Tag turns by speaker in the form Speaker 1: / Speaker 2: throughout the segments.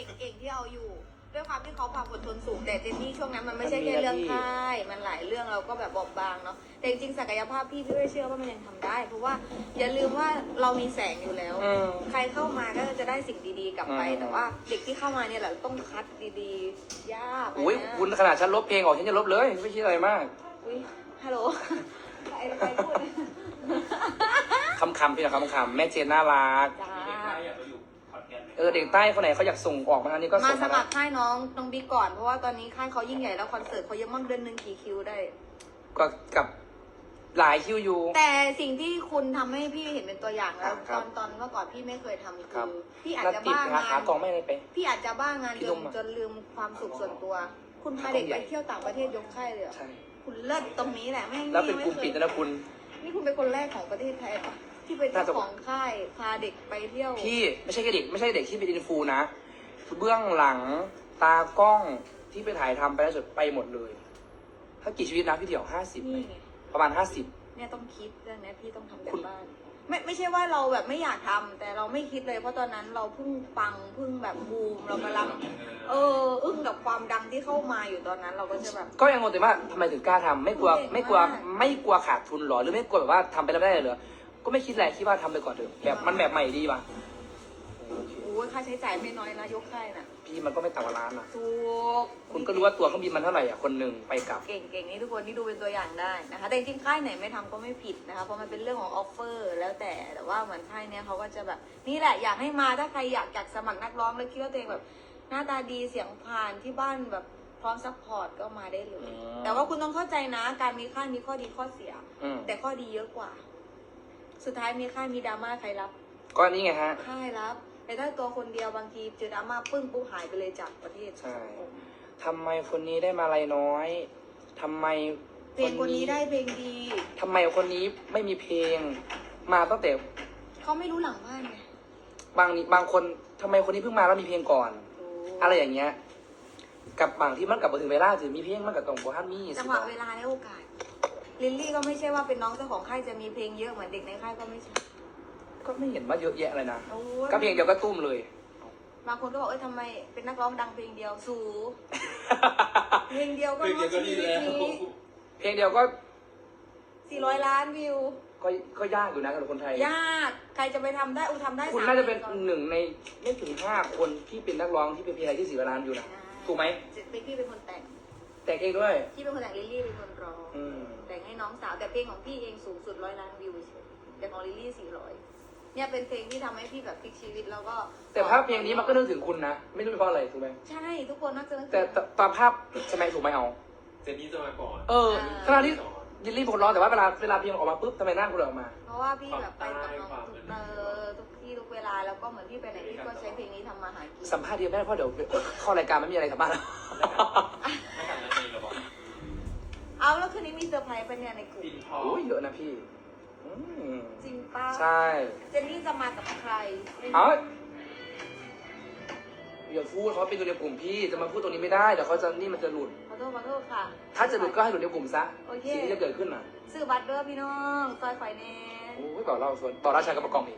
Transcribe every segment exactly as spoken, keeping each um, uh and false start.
Speaker 1: ก่งเก่งที่เอาอยู่ ด้วยความที่เขาความอดทนสูงแต่เจนนี่ช่วงนั้นมันไม่ใช่แค่เรื่องค่ายมันหลายเรื่องเราก็แบบบอบบางเนาะแต่จริงๆศักยภาพพี่พี่ไม่เชื่อว่ามันยังทำได้ เพราะว่าอย่าลืมว่าเรามีแสงอยู่แล้ว ใครเข้ามาก็จะได้สิ่งดีๆกลับไปแต่ว่าเด็กที่เข้ามาเนี่ยแหละต้องคัดดีๆยาก
Speaker 2: อุ้ยคุณขนาดฉันลบเพลงออกฉันจะลบเลยไม่คิดอะไรมาก
Speaker 1: อุ้ยฮัลโหลใครใครพูด
Speaker 2: คำคำๆพี่นะคำคำๆแม่เจนน่ารัก
Speaker 1: จ้า
Speaker 2: เออเด็กใต้คนไหนเขาอยากส่งออกมาอันนี้ก็
Speaker 1: มา
Speaker 2: ส่ง
Speaker 1: ส
Speaker 2: มา
Speaker 1: มั
Speaker 2: ได้
Speaker 1: ครค่ายน้องน้องบิ๊กก่อนเพราะว่าตอนนี้ค่ายเขายิ่งใหญ่แล้วคอนเสิร์ตเขาเยอะมากเดือนหนึ่งกี่คิวได้
Speaker 2: ก็กับหลายคิวอยู่
Speaker 1: แต่สิ่งที่คุณทำให้พี่เห็นเป็นตัวอย่างแล้ว
Speaker 2: ครั
Speaker 1: ตอบ นตอนเมื่อก่อนพี่ไม่เคยทำ
Speaker 2: ครั
Speaker 1: คื
Speaker 2: บ
Speaker 1: อพี่อาจ
Speaker 2: นัด
Speaker 1: จะ
Speaker 2: ติด
Speaker 1: บ้า
Speaker 2: หาง
Speaker 1: า
Speaker 2: ขาน กองไม่ได้ไป
Speaker 1: พี่อาจจะบ้างาน
Speaker 2: พี่
Speaker 1: จ
Speaker 2: ล
Speaker 1: น
Speaker 2: งมา
Speaker 1: จนลืมความสุขส่วนตัว คุณพาเด็ก
Speaker 2: ต้องใหญ่
Speaker 1: ไปเที่ยวต่างประเทศยกค่ายเลยเหรอ
Speaker 2: ใช่
Speaker 1: คุณเลิศตรงนี้แหละแม่ง
Speaker 2: แล้วเป็นกลุ่ม
Speaker 1: ไคย
Speaker 2: ปิดนะคุณ
Speaker 1: นี่คุณเป็นคนแรกของประเทศไทยปะที่เป็นเจ้าของค่ายพาเด็กไปเที่ยว
Speaker 2: พี่ไม่ใช่แค่เด็กไม่ใช่เด็กที่เป็นอินฟูนะเบื้องหลังตากล้องที่ไปถ่ายทำไปแล้วสุดไปหมดเลย ถ้ากี่ชีวิตนะพี่เดี่ยวห้าสิบ
Speaker 1: นี่ไง
Speaker 2: ประมาณห้าสิบ
Speaker 1: เนี่ยต้องคิดเรื่องนี้พี่ต้องทำกั
Speaker 2: คุ
Speaker 1: น
Speaker 2: ณ
Speaker 1: บ้านไม่ไม่ใช่ว่าเราแบบไม่อยากทำแต่เราไม่คิดเลยเพราะตอนนั้นเราเพิ่งปังเพิ่งแบบบูมเรากำลังเอออึ้งกับความดังที่เข้ามาอยู่ตอนนั้นเราก็จะแบบ
Speaker 2: ก็ยังงงแต่ว่าทำไมถึงกล้าทำไม่กลัว
Speaker 1: เก่งมาก
Speaker 2: ไม่กลัวไม่กลัวขาดทุนหรอหรือไม่กลัวแบบว่าทำไปแล้วไม่ได้เหรอก็ไม่คิดแหละคิดว่าทำไปก่อนเถอะแบบมันแบบใหม่ดีป่ะ
Speaker 1: โอ้ยค่าใช้จ่ายไม่น้อยนะยกค่ายน่ะ
Speaker 2: พี่มันก็ไม่ต่ำกว่าล้านอ่ะ
Speaker 1: ถูก
Speaker 2: คุณก็รู้ว่าตัวเครื่องบินมันเท่าไหร่อ่ะคนหนึ่งไปกลับ
Speaker 1: เก่งเก่งนี่ทุกคนที่ดูเป็นตัวอย่างได้นะคะแต่จริงๆค่ายไหนไม่ทำก็ไม่ผิดนะคะเพราะมันเป็นเรื่องของออฟเฟอร์แล้วแต่แต่ว่าเหมือนค่ายเนี้ยเขาก็จะแบบนี่แหละอยากให้มาถ้าใครอยากอยากสมัครนักร้องแล้วคิดว่าตัวเองแบบหน้าตาดีเสียงผ่านที่บ้านแบบพร้อมซัพพอร์ตก็มาได้เลย
Speaker 2: อืม
Speaker 1: แต่ว่าคุณต้องเข้าใจนะ การมีค่ายมีข้อดีข้อเสีย
Speaker 2: อืม
Speaker 1: แต่ข้อดีเยอะกว่า สุดท้ายมีค่ายมีดราม่าใครรับ
Speaker 2: ก็นี่ไงฮะ
Speaker 1: ค่ายรับ แต่ถ้าตัวคนเดียวบางทีเจอดราม่าปึ้งปุ๊บหายไปเลยจากประเทศ
Speaker 2: ใช่ ทำไมคนนี้ได้มาอะไรน้อยทำไม
Speaker 1: เพลงคนนี้ได้เพลงดี
Speaker 2: ทำไมคนนี้ไม่มีเพลง มาตั้งแต่
Speaker 1: เขาไม่รู้หลังบ้านไง
Speaker 2: บางบางคนทำไมคนนี้เพิ่งมาแล้วมีเพลงก่อน
Speaker 1: รู้
Speaker 2: อะไรอย่างเงี้ย กับบางที่มันกลับมาถึงเวลาถึงมีเพลงมันกับตรงโบฮันมี่
Speaker 1: จังหวะเวลาและโอกาส ลิลลี่ก็ไม่ใช่ว่าเป็นน้องเจ้าของค่ายจะมีเพลงเยอะเหมือนเด็กในค่ายก็ไม่ใช่
Speaker 2: ก็ไม่เห็นว่าเยอะแยะเลยนะ
Speaker 1: โอ้ย
Speaker 2: ก็เพลงเดียวก็ตุ้มเลย
Speaker 1: บางคนก็บอกเอ้ยทำไมเป็นนักร้องดังเพลงเดียวสูเพลงเดียวก็
Speaker 3: เพลงเดียวก็ดีแล้ว
Speaker 2: เพลงเดียวก็
Speaker 1: สี่ร้อยล้านวิว
Speaker 2: ก็ก็ยากอยู่นะสำหรับคนไทย
Speaker 1: ยาก ใครจะไปทำได้อูทำได้
Speaker 2: คุณ
Speaker 1: สม
Speaker 2: น่าจะเป็น
Speaker 1: พลงก่อ
Speaker 2: หนึ่งในไม่ถึงห้าคนที่เป็นนักร้องที่เป็นเพลงไทยที่สี่ล้านอยู่นะถูกไหม
Speaker 1: เป็นพี่เป็นคนแต่ง
Speaker 2: แต่งเองด้วย
Speaker 1: พี่เป็นคนแต่งลิลลี่เป็นคนร้อง
Speaker 2: อืม
Speaker 1: แต่งให้น้องสาวแต่เพลงของพี่เองสูงสุดร้อยล้านวิวเฉยแต่ของลิลลี่สี่ร้อยเนี่ยเป็นเพลงที่ทำให้พี่แบบพลิกชีวิตแล้วก็
Speaker 2: แต่ภาพเพลงนี้มันก็นึกถึงคุณนะ ไม่รู้เป็นเพราะอะไรถูกไหม
Speaker 1: ใช่ทุกคนน่าจะนึกถึง
Speaker 2: แต่ตตอนภาพใช่ไหมถูกไหมเอา
Speaker 3: เจนนี่จะมาก่อน
Speaker 2: เออขณะที่ยินรีเป็นคนร้องแต่ว่าเวลาเวลาเพลงออกมาปุ๊บทำไมหน้าคุณออกมา
Speaker 1: เพราะว่าพี่แบบไปกับน้องทุกเออทุกที่ทุกเวลาแล้วก็เหมือนพี่ไปไหนพี่ก็ใช้เพลงนี้ทำมาหากิน
Speaker 2: สัมภาษณ์เดียวไม่ได้เพราะเดี๋ยวเข้ารายการไม่มีอะไรกลับบ้านแล้ว
Speaker 3: ไม่กันแล้วเองเหรอบอก
Speaker 1: เอาแล้วคืนนี้มีเซอร์ไพรส์ปะเนี่ยในกลุ่ม
Speaker 3: ปินทอง
Speaker 2: โอ้ยเยอะนะพี่อืม
Speaker 1: จริงป้า
Speaker 2: ใช่
Speaker 1: เจนนี่จะมากับใคร
Speaker 2: เอาอย่าพูดเขาเป็นตัวในกลุ่มพี่จะมาพูดตรงนี้ไม่ได้เดี๋ยวเขาจะนี่มันจะหลุด
Speaker 1: ขอโทษขอโทษค่ะ
Speaker 2: ถ้าจะหลุดก็ให้หลุดในกลุ่มซะ
Speaker 1: โอเค
Speaker 2: สิ่งที่จะเกิดขึ้นน่ะ
Speaker 1: ซื้อบัตรเด้อพี่น้องซอยไฟแน่
Speaker 2: โอ้ยต่อเล่าส่วนต่อราชากับประกองอีก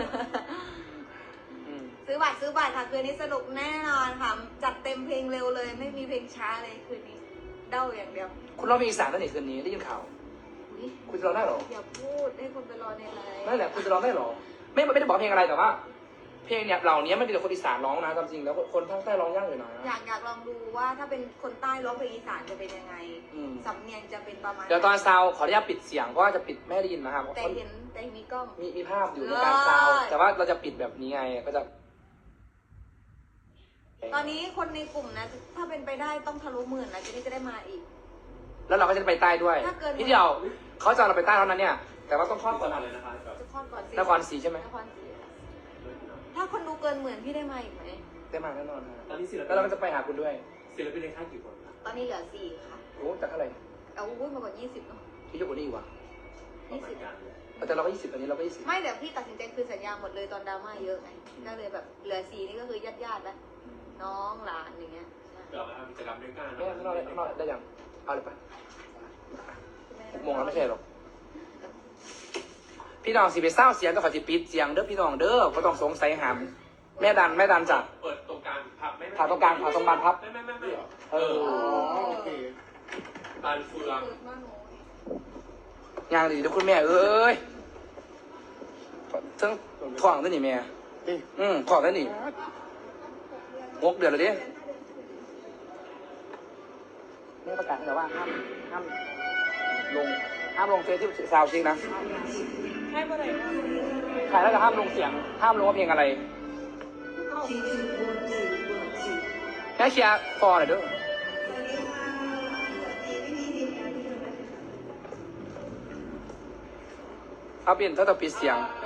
Speaker 2: อืม
Speaker 1: ซื้อบัตรซื้อบัตรค่ะคืนนี้สนุกแน่นอนค่ะจัดเต็มเพลงเร็วเลย ไม่มีเพลงช้าเลยคืนนี้เด้าอย่างเดียว
Speaker 2: คุณร้องเพลงอีสานตั้งแต่คืนนี้ได้ยินข่าว
Speaker 1: อุ๊ย
Speaker 2: คุณจะร้องได้เหรอ
Speaker 1: อย่าพูดให้คนไปรอในไลน์
Speaker 2: นั่นแหละคุณจะร้องได้เหรอ ไม่ไม่ได้บอกเพลงอะไรแต่ว่า เพลงเนี่ยเหล่านี้มันเป็นแต่คนอีสานร้องนะตามจริงแล้วคนภาคใต้ร้องยากอยู่นะ
Speaker 1: อยากอยากลองดูว่าถ้าเป็นคนใต้ร้องเพลงอีสานจะเป็นยังไง
Speaker 2: อืม
Speaker 1: สำเนียงจะเป็นประมาณ
Speaker 2: เดี๋ยวตอนซาวขออนุญาตปิดเสียงเพราะว่าจะปิดไม่ให้ได้ยินนะครับ
Speaker 1: แต่เห็นแต่มีกล้อง
Speaker 2: มีมีภาพอยู่ในการซาวแต่ว่าเราจะปิดแบบนี้ไงก็จะ
Speaker 1: ตอนนี้คนในกลุ่มนะถ้าเป็นไปได้ต้องทะลุหมื่นนะจะนี่จะได้มาอีก
Speaker 2: แล้วเราก็จะไปใต้ด้วย
Speaker 1: ถ้าเกิน
Speaker 2: พี่เดียวเขาจะเอาเราไปใต้เท่านั้นเนี่ย แต่ว่าต้องครอบก่อน
Speaker 3: อะ
Speaker 2: นะ
Speaker 3: ไรนะคะแบบ
Speaker 1: จะคลอดก่อนสิ
Speaker 2: นครศรีใช่ไหม
Speaker 1: นครศรีถ้าคนดูเกินหมื่นพี่ได้มาอีกไหม
Speaker 2: ได้มาแน่นอนฮะ
Speaker 3: ตอนนี้ศิล
Speaker 2: แล้วเราก็จะไปหาคุณด้วย
Speaker 3: ศิลปินในค่ายกี่คนครับ
Speaker 1: ตอนนี้เหลือสี่ค่ะ
Speaker 2: โอ้แต่เท่าไหร่
Speaker 1: เอาอุ้ยมากกว่ายี่สิบเนาะ
Speaker 2: พี่เยอะกว่านี้อีกว่ะ
Speaker 3: ประมาณกัน
Speaker 2: แต่เราก็ยี่สิบอันนี้เราก็ยี่สิบ
Speaker 1: ไม่แต่พี่ตัดสินใจคืนสัญญาหมดเลยตอนดราม่าเยอะไงก็เลยแบบเหลือสี่นี่ก็คือญาติญาติๆแล้วน้องหลานอย่างเงี้ย
Speaker 3: เรามาทำกิจกรรมด้วยกัน
Speaker 2: ไม่ข้างนอกได้ข้างนอกได้ยังเอาเลยปะหกโมงแล้วไม่ใช่หรอกพี่น้องสิไปเศร้าเสียงก็ขอสิปิดเสียงเด้อพี่น้องเด้อก็ต้องสงสัยหามแม่ดันแม่ดันจ้ะ
Speaker 3: เปิดตรงกลางพับ
Speaker 2: ผ่าตรงกลางผ่าตรงบานพับ
Speaker 3: ไม่ไม่ไม่ไม่
Speaker 2: เออ
Speaker 4: อ๋อโอเค
Speaker 3: บานเฟือง
Speaker 2: ย่างดีเดี๋ยวคุณแม่เอ้ยทั้งท้องทั้งนี่แม่
Speaker 4: เอ๊ะ
Speaker 2: อืมท้องทั้งนี่งกเดือดเลยดิแม่ประกาศแต่ว่าห้ามห้ามลงห้ามลงเฟซที่ซาวจริงนะ
Speaker 1: ให้บ่ได้
Speaker 2: ถ่ายแล้วก็ห้ามลงเสียง ห้ามลงว่าเพลงอะไรแค่เชียร์ฟอร์หน่อยเด้วยเอาเปลี่ยนถ้าจะปิดเสียง